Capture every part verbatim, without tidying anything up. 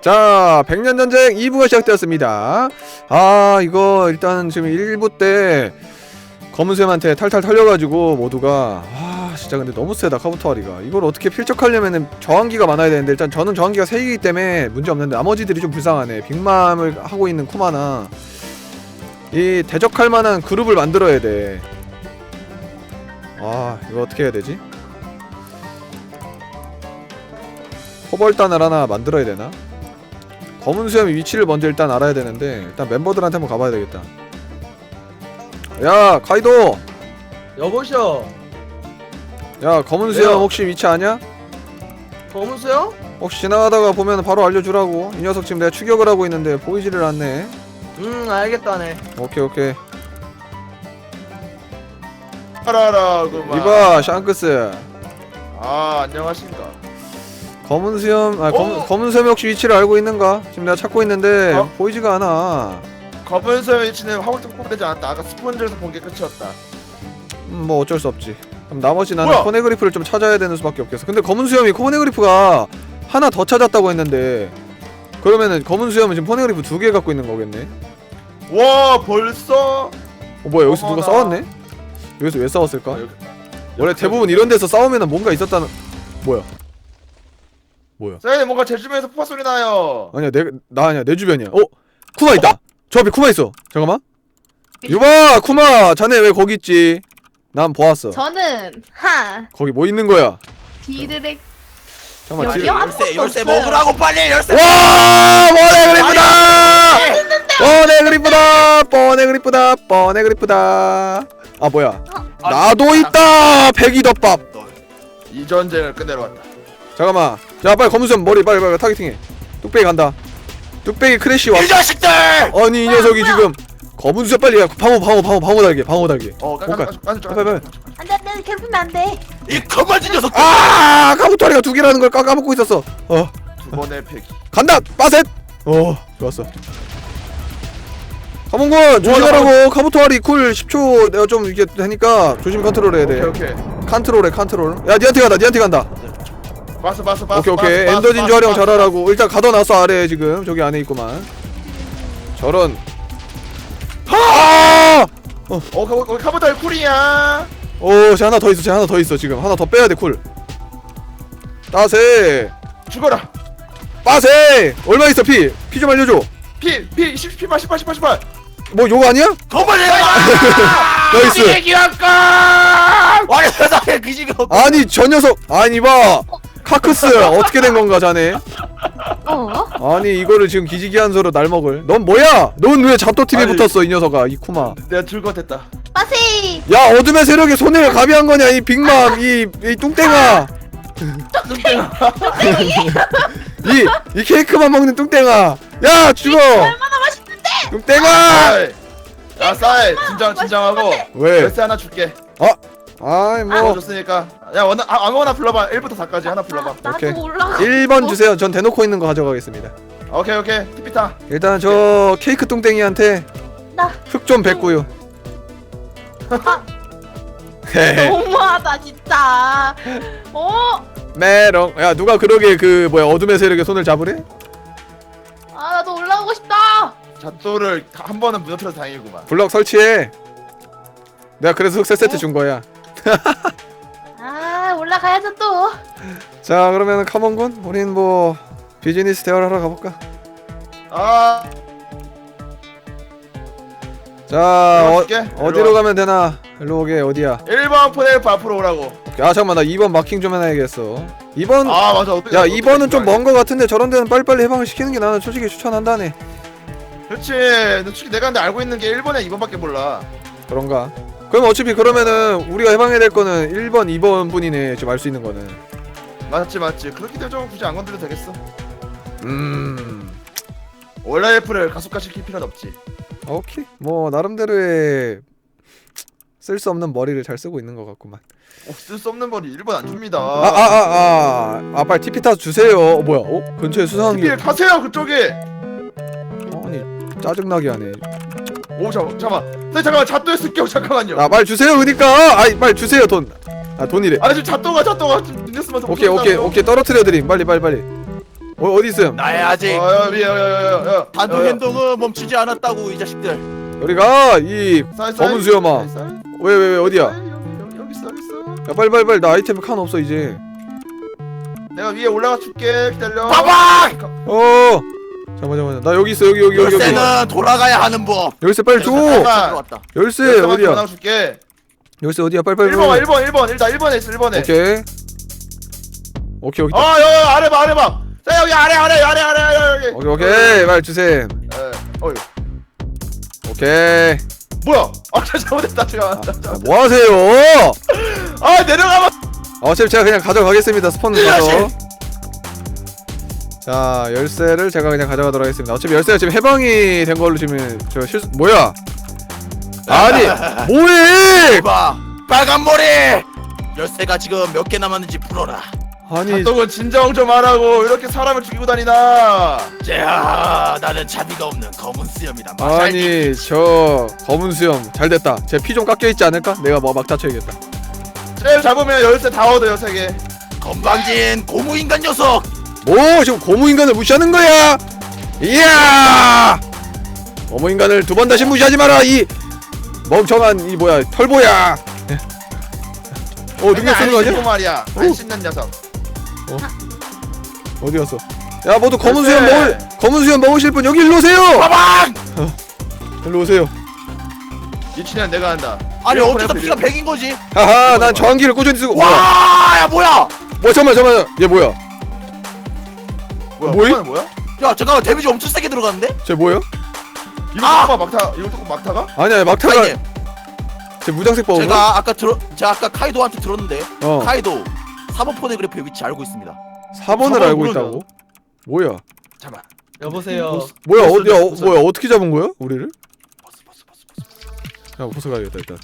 자, 백년전쟁 이 부가 시작되었습니다. 아, 이거 일단 지금 일 부 때 검은샘한테 탈탈 털려가지고 모두가 아 진짜 근데 너무 세다 카부토아리가. 이걸 어떻게 필적하려면은 저항기가 많아야 되는데 일단 저는 저항기가 세 개이기 때문에 문제 없는데 나머지들이 좀 불쌍하네. 빅맘을 하고 있는 쿠마나 이 대적할 만한 그룹을 만들어야 돼. 아, 이거 어떻게 해야 되지? 포벌단을 하나 만들어야 되나? 검은 수염의 위치를 먼저 일단 알아야 되는데 일단 멤버들한테 한번 가봐야 되겠다. 야 카이도! 여보셔. 야 검은 수염 왜요? 혹시 위치 아냐? 검은 수염? 혹시 지나가다가 보면 바로 알려주라고. 이 녀석 지금 내가 추격을 하고 있는데 보이지를 않네. 음 알겠다네. 오케이 오케이. 알아라구만. 이봐 샹크스. 아 안녕하십니까. 검은 수염 아 검, 어? 검은 수염이 혹시 위치를 알고 있는가? 지금 내가 찾고 있는데 어? 보이지가 않아. 검은 수염 위치는 화물점 뽑되지 않았다. 아까 스폰지에서 본 게 끝이었다. 음, 뭐 어쩔 수 없지. 그럼 나머지 나는 뭐야? 코네그리프를 좀 찾아야 되는 수밖에 없겠어. 근데 검은 수염이 코네그리프가 하나 더 찾았다고 했는데 그러면은 검은 수염은 지금 코네그리프 두 개 갖고 있는 거겠네. 와 벌써? 어 뭐야 여기서 누가 어머나. 싸웠네? 여기서 왜 싸웠을까? 아, 여기- 원래 대부분 이런 데서 싸우면은 뭔가 있었다는. 뭐야? 뭐야? 사장님 뭔가 제 주변에서 폭파 소리 나요. 아니야 내 나 아니야 내 주변이야. 어? 쿠마 있다. 저 앞에 쿠마 있어. 잠깐만. 유바 쿠마 자네 왜 거기 있지? 난 보았어. 저는 하 거기 뭐 있는 거야? 디드렉 잠깐만. 여기요? 뒤에- 아무것도 열쇠 없어요. 먹으라고 빨리 열쇠. 와 뻔해 그리프다. 뻔해 그리프다. 뻔해 그리프다. 뻔해 그리프다. 아 뭐야? 아, 나도 있다. 백이덮밥. 이 전쟁을 끝내러 왔다. 잠깐만. 야 빨리 검은수염 머리 빨리 빨리 타겟팅해. 뚝배기 간다. 뚝배기 크래쉬 왔. 이 자식들! 아니 이 녀석이 지금 검은수염 빨리 야 방어 방어 방어 방어 달게 방어 달게. 어 뭔가- 깐깐 깐깐 빨리 빨리. 안돼 안돼 괴롭히면 안돼. 이 거만진 녀석. 아 카부토리가 두 개라는 걸 까, 까먹고 있었어. 어 두 번의 패기. 간다 빠셋. 어 좋았어. 카몽군 조심하라고. 카부토리 쿨 십 초 내가 좀 이게 되니까 조심 컨트롤 해야 돼. 오케이 오케이. 컨트롤해 컨트롤. 야 니한테 간다 니한테 간다. 봤어 봤어 봤어. 오케이 오케이. 봤어, 엔더 봤어, 진주 활용 봤어, 잘하라고. 일단 가둬놨어 아래에 지금 저기 안에 있구만. 저런. 아! 어 거기 거기 카보탈 쿨이야. 오, 쟤 하나 더 있어. 쟤 하나 더 있어. 지금 하나 더 빼야 돼 쿨. 따세. 죽어라. 빠세. 얼마 있어 피? 피 좀 알려줘. 피피 십팔 십팔 십팔 십팔. 뭐 요거 아니야? 거만해. 나이스. 기왕까. 아니 세상에 기지가 없. 아니 저 녀석. 아니 봐. 카크스 어떻게 된 건가 자네? 어? 아니 이거를 지금 기지기한서로 날 먹을. 넌 뭐야? 넌 왜 잡토 팀에 아니. 붙었어 이 녀석아 이 쿠마. 내가 즐거웠다. 빠세. 야 어둠의 세력에 손해를 가비한 거냐 이 빅맘 이, 이 뚱땡아. 이, 이 케이크만 먹는 뚱땡아. 야 죽어. 얼마나 맛있는데? 뚱땡아. 야 싸이 진정 진정하고 왜? 열쇠 하나 줄게. 아이 뭐 먹어줬으니까 야 원하 아, 아무거나 불러봐. 일부터 사까지 하나 불러봐. 나도 오케이. 올라. 일 번 주세요. 전 대놓고 있는 거 가져가겠습니다. 오케이 오케이 티피타. 일단 저 케이크 뚱땡이한테 나 흙 좀 뱉고요. 헤헤. 너무하다 진짜. 어? 메롱. 야 누가 그러게 그 뭐야 어둠의 세력에 손을 잡으래? 아 나도 올라오고 싶다. 잣도를 한 번은 무너뜨려서 다행이구만. 블럭 설치해. 내가 그래서 흑세 세트 준 거야. 아 올라가야죠 또. 자 그러면은 카몬군 우린 뭐 비즈니스 대화를 하러 가볼까? 아 자 어, 줄게. 어디로 가면 되나? 일로 오게 어디야? 일 번 포넬프 앞으로 오라고. 아 잠깐만 나 이 번 마킹 좀 해놔야겠어. 이 번 아 맞아. 어떻게, 야 어떻게 이 번은 좀 생각해? 먼 거 같은데 저런 데는 빨리빨리 해방을 시키는 게 나는 솔직히 추천한다네. 그렇지. 근데 솔직히 내가 근데 알고 있는 게 일 번에 이 번밖에 몰라. 그런가? 그럼 어차피 그러면은 우리가 해방해야 될 거는 일 번, 이 번 뿐이네. 지금 알 수 있는 거는. 맞지 맞지. 그렇기 때문에 좀 굳이 안 건드려도 되겠어. 음. 원래 F를 가속화 시킬 필요는 없지. 오케이. 뭐 나름대로의 쓸 수 없는 머리를 잘 쓰고 있는 것 같구만. 어, 쓸 수 없는 머리 일 번 안 줍니다. 아 아 아 아. 아 빨리 티피 타서 주세요. 어, 뭐야? 어? 근처에 수상한 게. 티피를 타세요 그쪽에. 아니 짜증나게 하네. 오 잠깐 잠깐. 네 잠깐만 잣도에 쓸게요 잠깐만요. 아 빨리 주세요 그니까. 아이 빨리 주세요 돈. 아 돈이래. 아 지금 잣도가 잣도가 좀 늦었으면 더 오케이 오케이 못한다고요. 오케이 떨어뜨려 드림. 빨리 빨리 빨리. 어 어디 있음? 나의 아직 어야 위에 야야야야 단독 행동은 멈추지 않았다고 이 자식들. 우리가 이 검은 수염아. 왜 왜 왜 어디야? 야 여기, 여기 있어 여기 있어. 빨리 빨리 빨리 나 아이템 칸 없어 이제. 내가 위에 올라가 줄게. 기다려. 빠방! 어 잠깐만 잠깐만 나 여기 있어 여기 여기 여기 여기. 열쇠는 돌아가야 하는 법. 열쇠 빨리 줘. 들어왔다. 열쇠 어디야? 올라가 줄게. 열쇠 어디야? 빨리 빨리. 일 번 일 번 일 번 일단 일 번에 있어 일 번에. 오케이. 오케이 오케이. 아 여기 아래 봐 아래 봐. 자 여기 아래 아래 아래 아래 아래 여기. 오케이 오케이 빨리 주셈. 에. 어이. 오케이. 뭐야? 아 잘못했다 제가. 아, 뭐 하세요? 아 내려가봐. 어차피 제가 그냥 가져가겠습니다. 스폰 가서. 자 열쇠를 제가 그냥 가져가도록 하겠습니다. 어차피 열쇠가 지금 해방이 된 걸로 지금 저 실수 뭐야? 아니 뭐해? 봐. 빨간 머리. 열쇠가 지금 몇 개 남았는지 풀어라. 아니 덕은 진정 좀 하라고 이렇게 사람을 죽이고 다니나. 자, 나는 자비가 없는 검은 수염이다. 아니 저 검은 수염 잘 됐다. 제 피 좀 깎여 있지 않을까? 내가 뭐 막 다쳐야겠다. 제일 잡으면 열쇠 다 얻어요 세 개. 건방진 고무 인간 녀석. 뭐 지금 고무 인간을 무시하는 거야? 이야! 고무 인간을 두 번 다시 무시하지 마라 이 멍청한 이 뭐야 털보야. 어 능력 쓰는 거 아니야? 말이야. 안 씻는 녀석. 어디 갔어? 야 모두 검은 열쇠. 수염 먹을 검은 수염 먹으실 분 여기 일로 오세요. 빠방! 일로 오세요. 이춘향 내가 한다. 아니 이거 어쩌다 보내, 피가 보내. 백인 거지? 하하 난 저항기를 꾸준히 쓰고. 뭐야? 와, 야 뭐야? 뭐 잠깐만 잠깐만 얘 뭐야? 뭐야? 뭐임? 뭐야? 뭐야? 야 잠깐만 데미지 엄청 세게 들어갔는데? 쟤 뭐야? 이거 아! 아! 막타 이거 또 막타가? 아니야 막타가 카이님, 쟤 무장색 버거. 제가 아까 들어 제가 아까 카이도한테 들었는데 어 카이도 사 번 포네그래프의 위치 알고 있습니다. 사 번을 사 번 알고 모르죠. 있다고? 뭐야? 잠깐. 여보세요. 뭐야 보스, 어디야 어, 보스. 뭐야 어떻게 잡은 거야 우리를? 버스 버스 버스 버스. 야 보스 가야겠다 일단.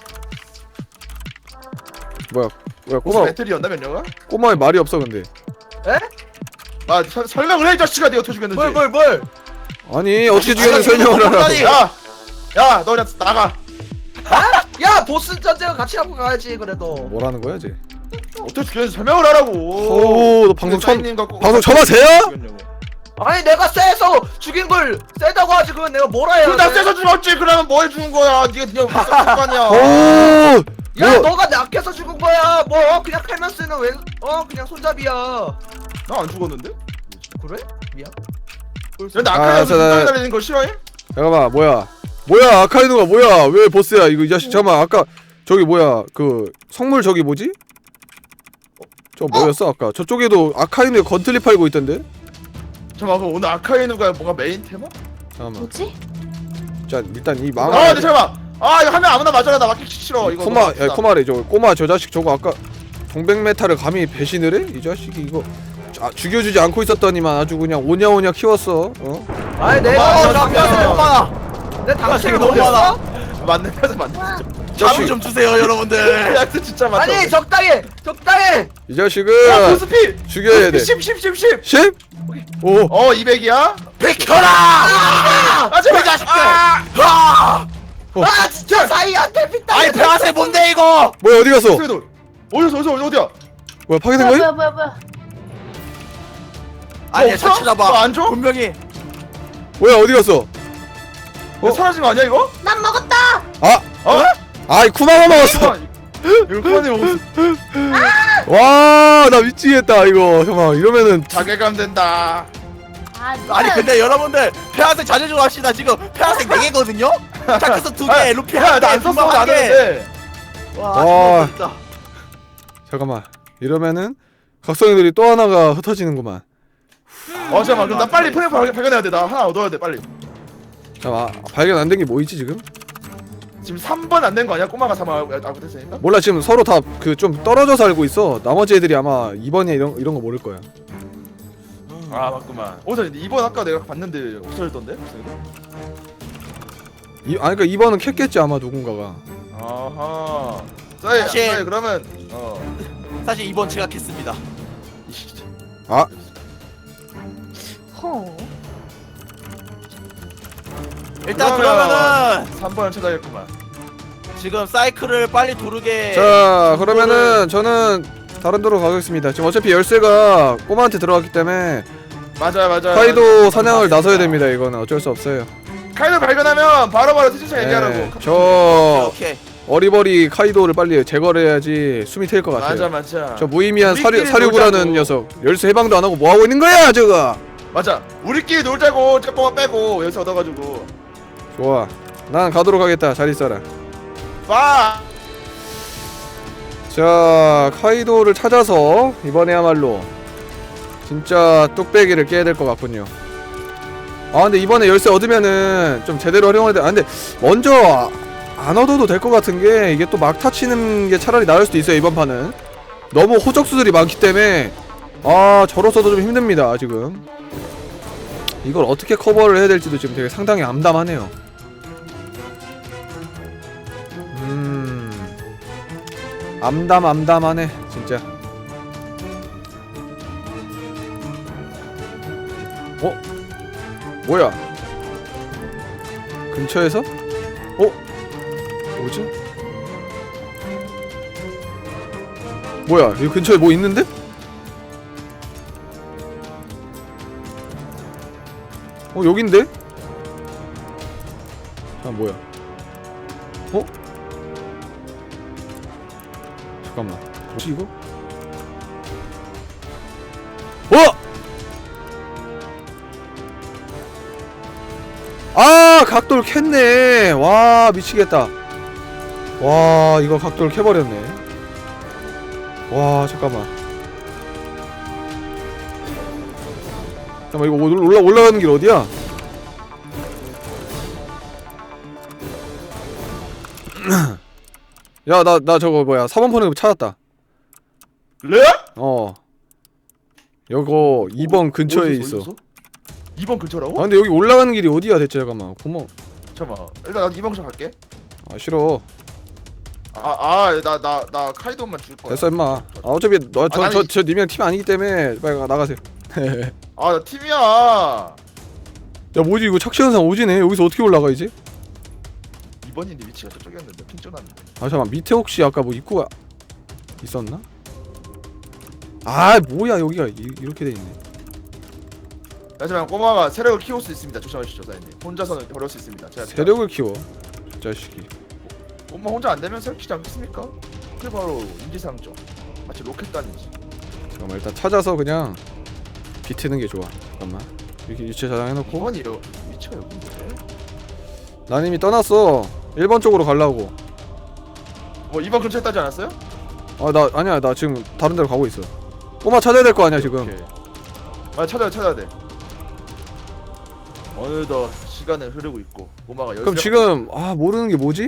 뭐야 뭐야 꼬마 꼬마 배터리였나 면녀가? 꼬마의 말이 없어 근데. 에? 아 서, 설명을 해 이 자식아 내가 어떻게 죽였는지. 뭘 뭘 뭘? 아니 어떻게 아니, 죽였는지 설명을 하라. 아니, 야, 야, 너 그냥 나가. 야 보스 전쟁을 같이 하고 가야지 그래도. 뭐라는 거야 쟤? 어떻게 죽였는지 설명을 하라고. 오, 너 방송 처음 사인님 갖고 방송 처음 하세요? 죽였냐고. 아니 내가 세서 죽인 걸 세다고 하지 그건 내가 뭐라 해야 그럼 나 세서 죽었지. 그러면 뭐 해주는 거야? 네가 네가 무슨 상관이야? 오, 야 뭐 너가 약해서 죽은 거야. 뭐 그냥 칼만 쓰는 왼어 그냥 손잡이야. 나 안 죽었는데? 그래? 미안. 근데 아, 아카이도 저, 나- 눈덩이 달리는 거 싫어해? 잠깐만 뭐야? 뭐야 아카이누가 뭐야? 왜 보스야 이거 이 자식? 잠깐만 아까 저기 뭐야 그 성물 저기 뭐지? 어, 저 뭐였어 아까 저쪽에도 아카이누에 건틀리 팔고 있던데? 잠깐만 그럼 오늘 아카이누가 뭔가 메인 테마? 잠깐만. 뭐지? 자 일단 이 아, 망할 근데 잠깐만. 아 이거 하면 아무나 맞아라. 나 맞기 싫어. 이거 코마 너무 야 아프다. 코마래 저 꼬마 저 자식 저거 아까 동백 메탈을 감히 배신을 해? 이 자식이 이거 아, 죽여주지 않고 있었더니만 아주 그냥 오냐오냐 키웠어. 어? 아니 어, 내가 나 피가 너무 많아. 내 당신을 너무 먹였어? 맞네. 맞네. 맞네. 와, 잠을 좀 주세요 여러분들. 약간 진짜 맞다. 아니 적당히 적당히. 이 야, 자식은 보스피. 죽여야 돼. 십, 십, 십, 십. 십? 오. 어, 이백이야? 비켜라! 아, 제발. 이 자식들! 아! 아! 아 진짜 사이한테 핏다. 아니 페아세 뭔데 이거? 뭐야 어디 갔어? 어디서 어디서 어디서 어디야? 뭐야 파괴된 뭐야 거야? 뭐야 뭐야 뭐야. 아니야 없어? 잘 찾아봐. 너안 줘? 분명히 뭐야 어디 갔어? 어? 사라진 거 아니야 이거? 난 먹었다. 아, 어? 아이 쿠마가 먹었어. 이거 쿠마님 먹었어. 와, 나 미치겠다 이거. 잠깐 이러면은 자괴감 된다. 아, 아니 근데 여러분들 페아세 자제 좀 합시다. 지금 페아세 네 개거든요? 자크스 두 개, 루피 야, 한 나안 개, 썼어. 분방 안 한 개. 했는데. 와. 와 진짜. 잠깐만 이러면은 각성이들이 또 하나가 흩어지는구만. 어, 잠깐만. 그럼 나 빨리 프레임 발견해야 돼. 나 하나 얻어야 돼, 빨리. 잠깐 아, 발견 안 된 게 뭐 있지 지금? 지금 삼 번 안 된 거 아니야? 꼬마가 삼 번 알고 됐으니까? 몰라 지금 서로 다 그 좀 떨어져 살고 있어. 나머지 애들이 아마 이번에 이런 이런 거 모를 거야. 아, 맞구만. 어, 저 이 번 아까 내가 봤는데 없어졌던데? 이 아니 그러니까 이번은 캤겠지 아마 누군가가. 아하. 싸이, 사실- 싸이, 그러면 어. 사실 이번 제가 캤습니다. 아, 허. 일단 그러면- 그러면은 삼 번을 찾아야겠구만. 지금 사이클을 빨리 도르게. 자 그러면은 저는 다른 데로 가겠습니다. 지금 어차피 열쇠가 꼬마한테 들어갔기 때문에 맞아요 맞아요. 카이도 맞아요. 사냥을 맞습니다. 나서야 됩니다. 이거는 어쩔 수 없어요. 카이도 발견하면 바로바로 티셔츠 얘기하라고. 네, 저 오케이. 어리버리 카이도를 빨리 제거를 해야지 숨이 트일 것 같아요. 맞아 맞아. 저 무의미한 사류, 우리끼리 사류구라는 놀자고. 녀석 열쇠 해방도 안 하고 뭐 하고 있는 거야 저거. 맞아. 우리끼리 놀자고 짝꿍만 빼고 여기서 얻어가지고. 좋아, 난 가도록 하겠다. 잘 있어라. 빠. 자, 카이도를 찾아서 이번에야말로 진짜 뚝배기를 깨야 될 것 같군요. 아 근데 이번에 열쇠 얻으면은 좀 제대로 활용해야 돼. 아 근데 먼저 안 얻어도 될 것 같은 게 이게 또 막타 치는 게 차라리 나을 수도 있어요. 이번 판은 너무 호적수들이 많기 때문에 아 저로서도 좀 힘듭니다 지금. 이걸 어떻게 커버를 해야 될지도 지금 되게 상당히 암담하네요. 음 암담 암담하네 진짜. 어? 뭐야? 근처에서? 어? 뭐지? 뭐야? 여기 근처에 뭐 있는데? 어 여긴데? 아 뭐야? 어? 잠깐만 뭐지 이거? 어! 아 각도를 캤네. 와 미치겠다. 와 이거 각도를 캐버렸네. 와 잠깐만 잠깐만 이거 올라, 올라가는 길 어디야? 야 나 나 저거 뭐야 사 번 폰을 찾았다. 레? 어 요거 이 번 근처에 있어. 이 번 근처라고? 아 근데 여기 올라가는 길이 어디야 대체. 잠깐만 고마워. 잠깐만. 일단 나도 이 번 근처 갈게. 아 싫어. 아아나 나 나 카이도만 줄 거야. 됐어 임마. 아 어차피 너 저 아, 저 아니. 저 님이랑 팀 아니기 때문에 빨리 가- 나가세요. 아 나 팀이야. 야 뭐지 이거 착시현상 오지네. 여기서 어떻게 올라가 이제? 이 번인데 위치가 저쪽이었는데 핑 쪄놨는데. 아 잠깐만 밑에 혹시 아까 뭐 입구가 있었나? 아 뭐야 여기가 이, 이렇게 돼 있네. 하지만 꼬마가 세력을 키울 수 있습니다. 조심하십시오, 사장님. 혼자서는 어려울 수 있습니다. 제가 세력을 키워 저 자식이. 꼬마 혼자 안 되면 세력 키지 않겠습니까? 그게 바로 인지상정. 마치 로켓단이지. 잠깐만 일단 찾아서 그냥 비트는 게 좋아. 잠깐만 이렇게 유체 저장해놓고. 이 번이요. 위치가 여기인데. 난 이미 떠났어. 일 번 쪽으로 가려고. 뭐 이 번 근처에 따지 않았어요? 아 나 아니야 나 지금 다른 데로 가고 있어. 꼬마 찾아야 될 거 아니야 지금. 오케이. 아 찾아야 찾아야 돼. 어느덧 시간은 흐르고 있고 꼬마가 그럼 지금 아 모르는 게 뭐지?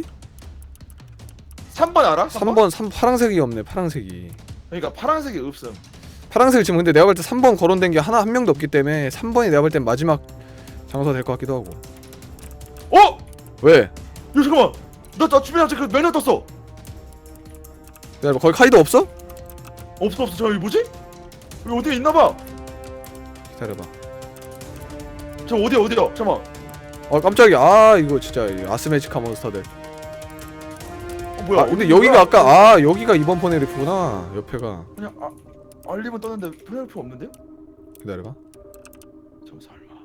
삼 번 알아? 삼 번 삼 파랑색이 없네. 파랑색이. 그러니까 파란색이 없음. 파랑색 지금 근데 내가 볼 때 삼 번 거론된 게 하나 한 명도 없기 때문에 삼 번이 내가 볼 땐 마지막 장소가 될 것 같기도 하고. 어? 왜? 야 잠깐만. 나, 나 주변에 갑자기 그 매너 떴어. 야, 거기 카이도 없어? 없어 없어. 저 여기 뭐지? 여기 어디에 있나봐. 기다려봐. 저 어디야 어디야? 잠깐만. 어 깜짝이야. 아 이거 진짜 이 아스메지카 몬스터들. 어, 뭐야? 아 근데 어디 여기가 뭐야? 아까 아 여기가 이번 포네리프구나. 옆에가. 그냥 아 알림은 떴는데 플레이프 없는데요? 기다려봐. 저 설마.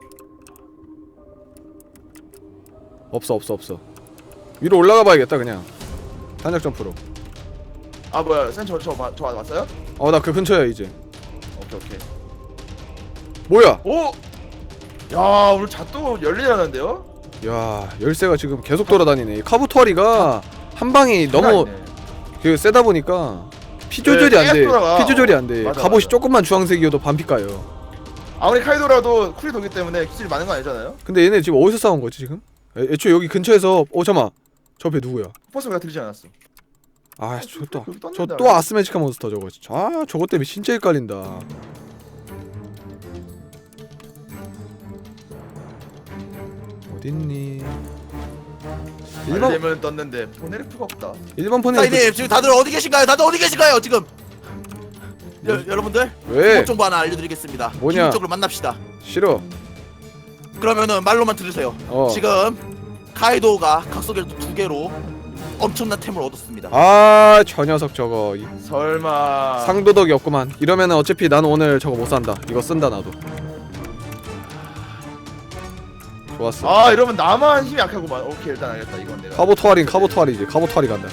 없어 없어 없어. 위로 올라가 봐야겠다 그냥. 탄력 점프로. 아 뭐야? 쌤저저 저, 저 왔어요? 어 나 그 근처야 이제. 오케이 오케이. 뭐야? 오! 야 오늘 잣도 열리라는데요? 야 열쇠가 지금 계속 돌아다니네. 이 카부토리가 한 방이 너무 그 세다 보니까 피 조절이 네, 안 돼. 계속 돌아가. 피 조절이 안 돼. 맞아, 갑옷이 맞아. 조금만 주황색이어도 반피 까요. 아무리 카이도라도 쿨이 돌기 때문에 기술이 많은 거 아니잖아요? 근데 얘네 지금 어디서 싸운 거지 지금? 애, 애초에 여기 근처에서 어 잠깐만 저 배 누구야? 포스 왜 들리지 않았어? 아 저또 여기 떴는데, 저 또 아직. 아스메지카 몬스터 저거 진짜. 아 저거 때문에 진짜 헷갈린다. 어딨니? 일반 알림은 떴는데 포네르프가 없다. 일반 폰에 사장님 지금 다들 어디 계신가요? 다들 어디 계신가요 지금? 여, 여러분들 왜? 기본 정보 하나 알려드리겠습니다. 뭐냐? 기본적으로 만납시다. 싫어. 그러면은 말로만 들으세요. 어. 지금 카이도가 각소계를 두 개로 엄청난 템을 얻었습니다. 아 저 녀석 저거 이- 설마. 상도덕이 없구만. 이러면은 어차피 난 오늘 저거 못 산다. 이거 쓴다 나도. 좋았어. 아 이러면 나만 힘이 약하구만. 오케이 일단 알겠다. 이건 내가. 카보토아린 카보토아리지. 카보토아리 간다.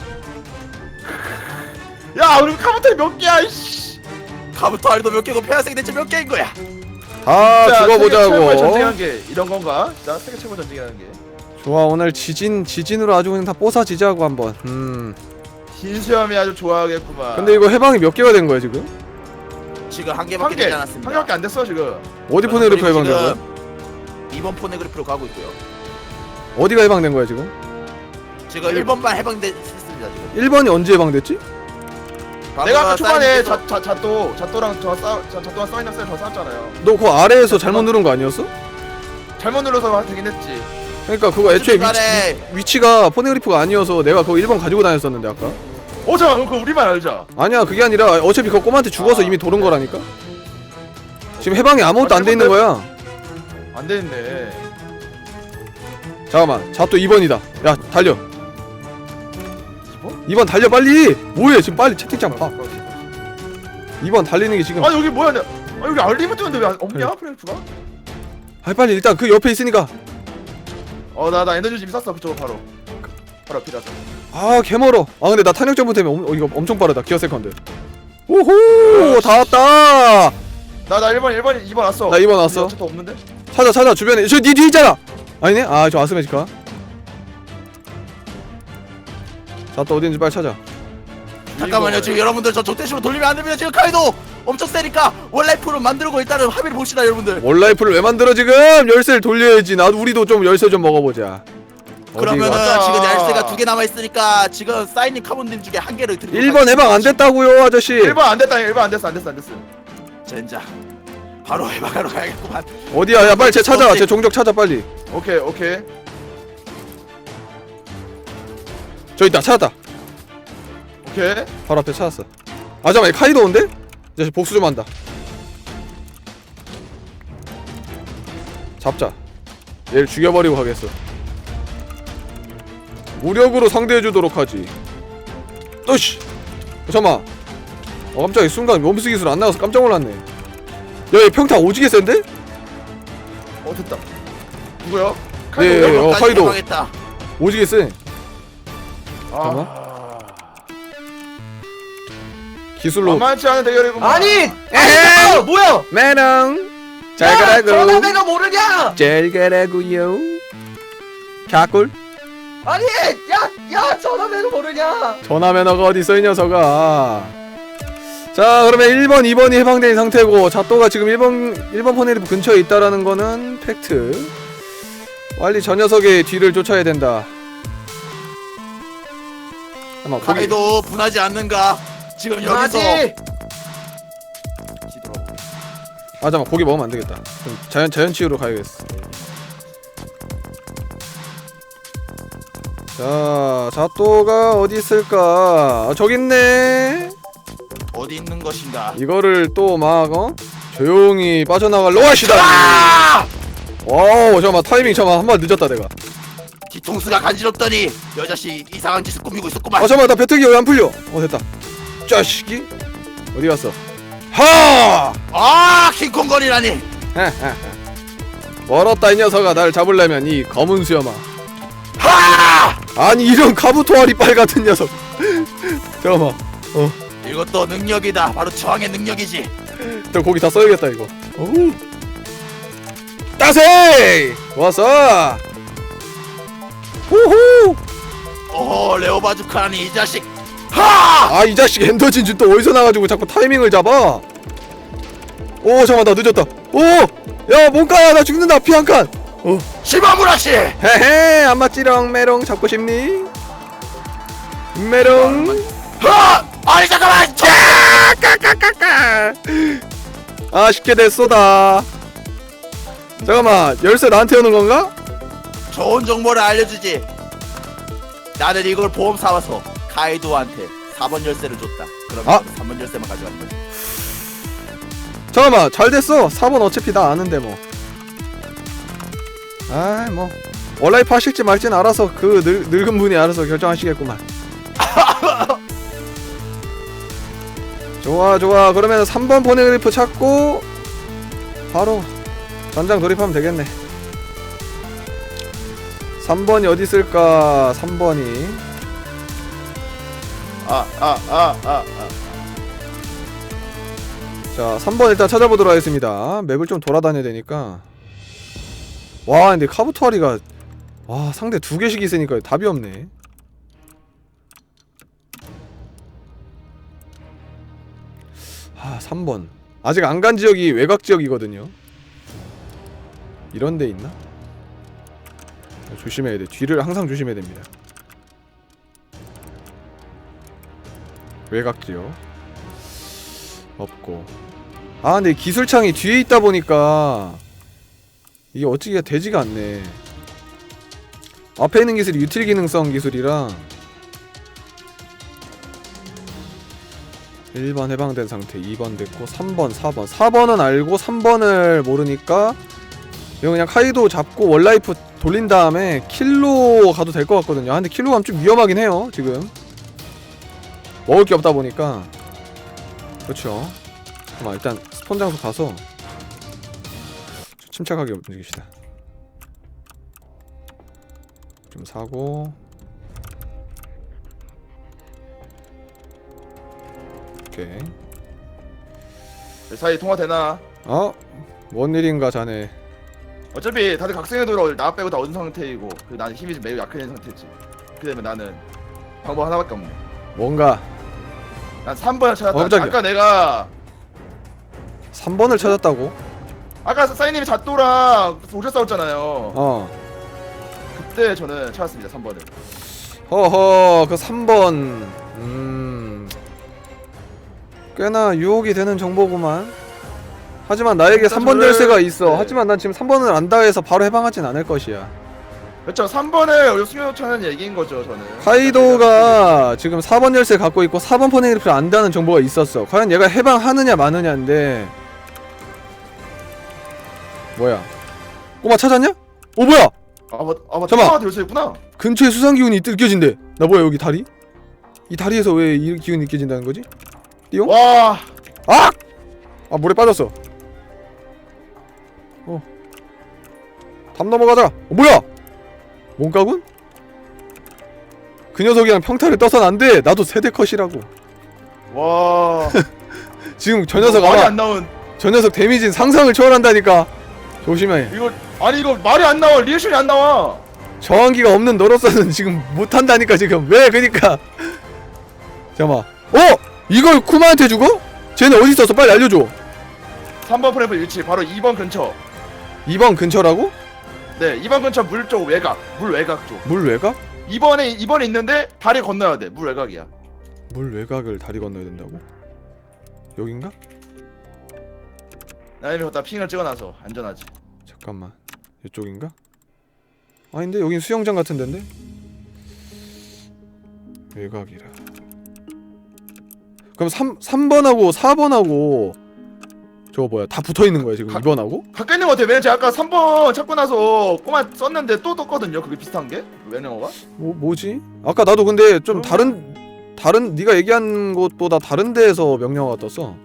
야 우리 카부터 몇 개야 이씨. 카부토 알도 몇 개고 폐하색이 대체 몇 개인 거야? 다 세계 최고의 죽어보자고. 전쟁한 게 이런 건가? 나 세계 최고 전쟁이라는 게. 좋아, 오늘 지진 지진으로 아주 그냥 다 뽀사지자고 한번. 음. 신수염이 아주 좋아하겠구만. 근데 이거 해방이 몇 개가 된 거야 지금? 지금 한 한 개밖에 개, 되지 한 않았습니다. 개밖에 안 됐어 지금. 어디 포네그리프 그리고 해방된 거야? 지금 이번 포네그리프로 가고 있고요. 어디가 해방된 거야 지금? 지금 일 번만 해방됐습니다 지금. 일 번이 언제 해방됐지? 내가 아까 초반에 사인님께서- 자, 자, 자또 자또랑 저 싸, 자, 자또랑 사인랑 쌤 저 싸웠잖아요. 너 그 아래에서 잘못 누른 거 아니었어? 잘못 눌러서 되긴 했지. 그러니까 그거 애초에 위치, 중간에 위치가 포네그리프가 아니어서 내가 그거 일 번 가지고 다녔었는데 아까. 어 잠깐 그럼 그거 우리만 알자. 아니야, 그게 아니라 어차피 그거 꼬마한테 죽어서 아. 이미 도른 거라니까. 지금 해방이 아무것도 안 돼 있는 거야. 안 됐네. 잠깐만, 자 또 이 번이다. 야 달려. 이 번? 이 번 달려 빨리. 뭐해 지금, 빨리 채팅창 봐. 이 번 달리는 게 지금. 아 여기 뭐야? 내- 아 여기 알림이 뜨는데 왜 안- 없냐 프레프가? 아 빨리 일단 그 옆에 있으니까. 어나 나 에너지 좀 쐈어 그쪽으로 바로. 바로 앞이라서. 아 개멀어. 아 근데 나 탄력 점프 때문에 엄, 어, 이거 엄청 빠르다. 기어 세컨드. 오호 다 왔다. 나나 일 번 일 번 이 번 왔어. 나 이 번 왔어. 어차피 없는데? 찾아 찾아 주변에. 저 니 뒤에 있잖아. 아니네. 아 저 아스메지카. 자 또 어딘지 빨리 찾아. 잠깐만요. 지금 여러분들 저 적대식으로 돌리면 안 됩니다. 지금 카이도 엄청 세니까 원라이프로 만들고 일단은 합의를 봅시다 여러분들. 원라이프를 왜 만들어 지금? 열쇠를 돌려야지. 나도 우리도 좀 열쇠 좀 먹어보자. 그러면은 맞아. 지금 열쇠가 두 개 남아 있으니까 지금 사인님 카본님 중에 한 개를 드리고 일 번 해방 안 됐다고요 아저씨. 일 번 안 됐다. 일 번 안 됐어. 안 됐어. 안 됐어. 젠장. 바로 해방하러 가야겠구만. 어디야? 야 빨리 쟤 찾아. 쟤 종족 찾아 빨리. 오케이 오케이. 저 있다. 찾았다. 오케이. 바로 앞에 찾았어. 아 잠깐만, 카이도 온대? 이 자식 복수 좀 한다. 잡자. 얘를 죽여버리고 가겠어. 무력으로 상대해주도록 하지. 또씨. 어, 잠깐만. 어 깜짝이야, 순간 멈스 기술 안 나와서 깜짝 놀랐네. 야 얘 평타 오지게 센데? 어 됐다. 누구야? 예, 예, 어, 여러분까지 카이도. 해방했다. 오지게 세. 아. 기술로. 만만치 않은 대결이구만. 아니! 에헤이! 아니, 뭐야? 매랑. 잘 야, 가라고. 전화 내가 모르냐? 잘 가라고요. 갸꿀. 아니, 야, 야, 전화 내가 모르냐? 전화 매너가 어딨어 이 녀석아. 자 그러면 일 번 이 번이 해방된 상태고 자또가 지금 일 번 일 번 포네리프 근처에 있다라는 거는 팩트. 빨리 저 녀석의 뒤를 쫓아야 된다. 잠깐만 거기. 카이도 분하지 않는가? 지금 여기서 아지. 뒤돌아보게. 아 잠깐만 고기 먹으면 안 되겠다. 그럼 자연 자연 치유로 가야겠어. 자 자또가 어디 있을까? 아, 저기 있네. 어디 있는 것인가? 이거를 또 막 어? 조용히 빠져나갈 로아시다. 아! 와우 잠깐만 타이밍 잠깐만 한 번 늦었다 내가. 뒤통수가 간지럽더니 여자씨 이상한 짓을 꾸미고 있었구만. 어 잠깐만 나 배터기 왜 안 풀려? 어 됐다. 자식이 어디 갔어? 하! 아 킹콩거리라니. 멀었다 이 녀석아. 날 잡으려면 이 검은 수염아. 하! 아니 이런 카부토아리 빨 같은 녀석. 잠깐만. 어, 이것도 능력이다. 바로 저항의 능력이지. 저 고기 다 써야겠다 이거. 어우. 따세! 왔어. 호호. 오 레오바주카라니 이 자식. 하! 아 이 자식 엔더진주 또 어디서 나가지고 자꾸 타이밍을 잡아. 오 잠깐만 나 늦었다. 오! 야 뭔가야 나 죽는다. 피 한 칸. 어. 시바무라씨. 헤헤 안 맞지롱. 메롱 잡고 싶니? 메롱. 하! 아니 잠깐만. 야! 까까까까. 아쉽게 됐소다. 잠깐만 열쇠 나한테 오는 건가? 좋은 정보를 알려주지. 나는 이걸 보험 사와서 카이도한테 사 번 열쇠를 줬다. 그러면 아. 삼 번 열쇠만 가져가는 거지. 잠깐만 잘 됐어. 사 번 어차피 나 아는데 뭐. 아이 뭐 원라이프 하실지 말지는 알아서 그 늙, 늙은 분이 알아서 결정하시겠구만. 좋아 좋아. 그러면 삼 번 포네그리프 찾고 바로 전장 돌입하면 되겠네. 삼 번이 어디 있을까? 삼 번이 아 아 아 아 아. 자, 삼 번 일단 찾아보도록 하겠습니다. 맵을 좀 돌아다녀야 되니까. 와, 근데 카부토리가 와, 상대 두 개씩 있으니까 답이 없네. 아, 삼 번. 아직 안 간 지역이 외곽 지역이거든요. 이런 데 있나? 조심해야 돼. 뒤를 항상 조심해야 됩니다. 외곽 지역. 없고. 아, 근데 기술창이 뒤에 있다 보니까 이게 어찌가 되지가 않네. 앞에 있는 기술이 유틸 기능성 기술이라 일 번 해방된 상태, 이 번 됐고 삼 번, 사 번. 사 번은 알고 삼 번을 모르니까 이거 그냥 카이도 잡고 원라이프 돌린 다음에 킬로 가도 될 것 같거든요. 아, 근데 킬로 가면 좀 위험하긴 해요. 지금 먹을 게 없다 보니까. 그렇죠. 잠깐만, 일단 스폰 장소 가서 침착하게 움직입시다. 좀 사고. 오케이. 그 사이 통화 되나? 어? 뭔 일인가 자네. 어차피 다들 각성의 도를 나 빼고 다 얻은 상태이고 그 나는 힘이 좀 매우 약해진 상태지. 그렇게 되면 나는 방법 하나밖에 없네. 뭔가 난 삼 번을 찾았다. 어, 깜짝이야. 아까 내가 삼 번을 찾았다고? 아까 사인님이 잣도랑 오셔 싸웠잖아요. 어. 그때 저는 찾았습니다. 삼 번을. 허허, 그 삼 번. 음. 꽤나 유혹이 되는 정보구만. 하지만 나에게 삼 번 저는- 열쇠가 있어. 네. 하지만 난 지금 삼 번을 안다 해서 바로 해방하진 않을 것이야. 그렇죠. 삼 번을 숨겨놓자는 얘기인 거죠. 저는. 카이도가 지금 사 번 열쇠 갖고 있고 사 번 포네그리프를 안다는 정보가 있었어. 과연 얘가 해방하느냐 마느냐인데. 뭐야? 꼬마 찾았냐? 오, 뭐야? 아 맞, 아 맞. 잠깐만. 통화가 될 수 있구나. 근처에 수상 기운이 느껴진대. 나 뭐야, 여기 다리? 이 다리에서 왜 이 기운이 느껴진다는 거지? 띠용? 와. 아! 아, 물에 빠졌어. 어. 담 넘어가자. 어, 뭐야? 뭔가군? 그 녀석이랑 평타를 떠선 안 돼. 나도 세대 컷이라고. 와. 지금 저 녀석 말이 아마 안 나온. 저 녀석 데미지는 상상을 초월한다니까. 조심해. 이거 아니 이거 말이 안 나와. 리액션이 안 나와. 저항기가 없는 너로서는 지금 못한다니까 지금. 왜 그니까. 잠깐만. 어? 이걸 쿠마한테 주고? 쟤네 어디 있었어? 빨리 알려줘. 삼 번 프레임 위치 바로 이 번 근처. 이 번 근처라고? 네, 이 번 근처 물 쪽 외곽. 물 외곽 쪽. 물 외곽? 이 번에 이 번에 있는데 다리 건너야 돼. 물 외곽이야. 물 외곽을 다리 건너야 된다고? 여긴가? 나님이 거기다 핑을 찍어놔서 안전하지. 잠깐만, 이쪽인가? 아닌데? 여긴 수영장 같은 데인데? 외곽이라. 그럼 삼, 삼 번하고 사 번하고 저거 뭐야, 다 붙어있는 거야 지금? 가- 이 번하고? 가까이 있는 거 같아. 왜냐면 제가 아까 삼 번 찾고 나서 꼬마 썼는데 또 떴거든요. 그게 비슷한 게? 외명어가? 뭐, 뭐지? 아까 나도 근데 좀 어? 다른 다른 네가 얘기한 곳보다 다른 데에서 명령어가 떴어.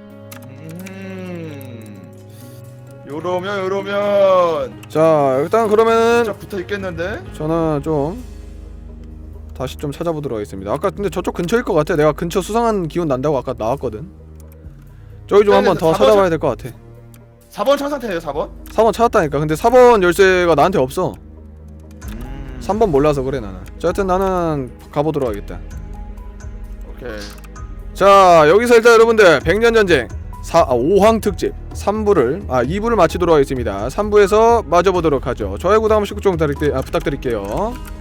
음. 요러면 요러면 자, 일단 그러면은 진짜 붙어 있겠는데? 저는 좀 다시 좀 찾아보도록 하겠습니다. 아까 근데 저쪽 근처일 것 같아. 내가 근처 수상한 기운 난다고 아까 나왔거든. 저기 좀 네, 한번 네, 더 사 번 찾아봐야 될 것 같아. 사 번 찾은 상태예요. 사 번? 사 번 찾았다니까. 근데 사 번 열쇠가 나한테 없어. 음. 삼 번 몰라서 그래 나는. 자, 하여튼 나는 가보도록 하겠다. 오케이. 자, 여기서 일단 여러분들 백년전쟁 사, 아, 오 황 특집 삼 부를 아 이 부를 마치도록 하겠습니다. 삼 부에서 마저 보도록 하죠. 좋아요 구독 한 번씩 좀 부탁드릴게요.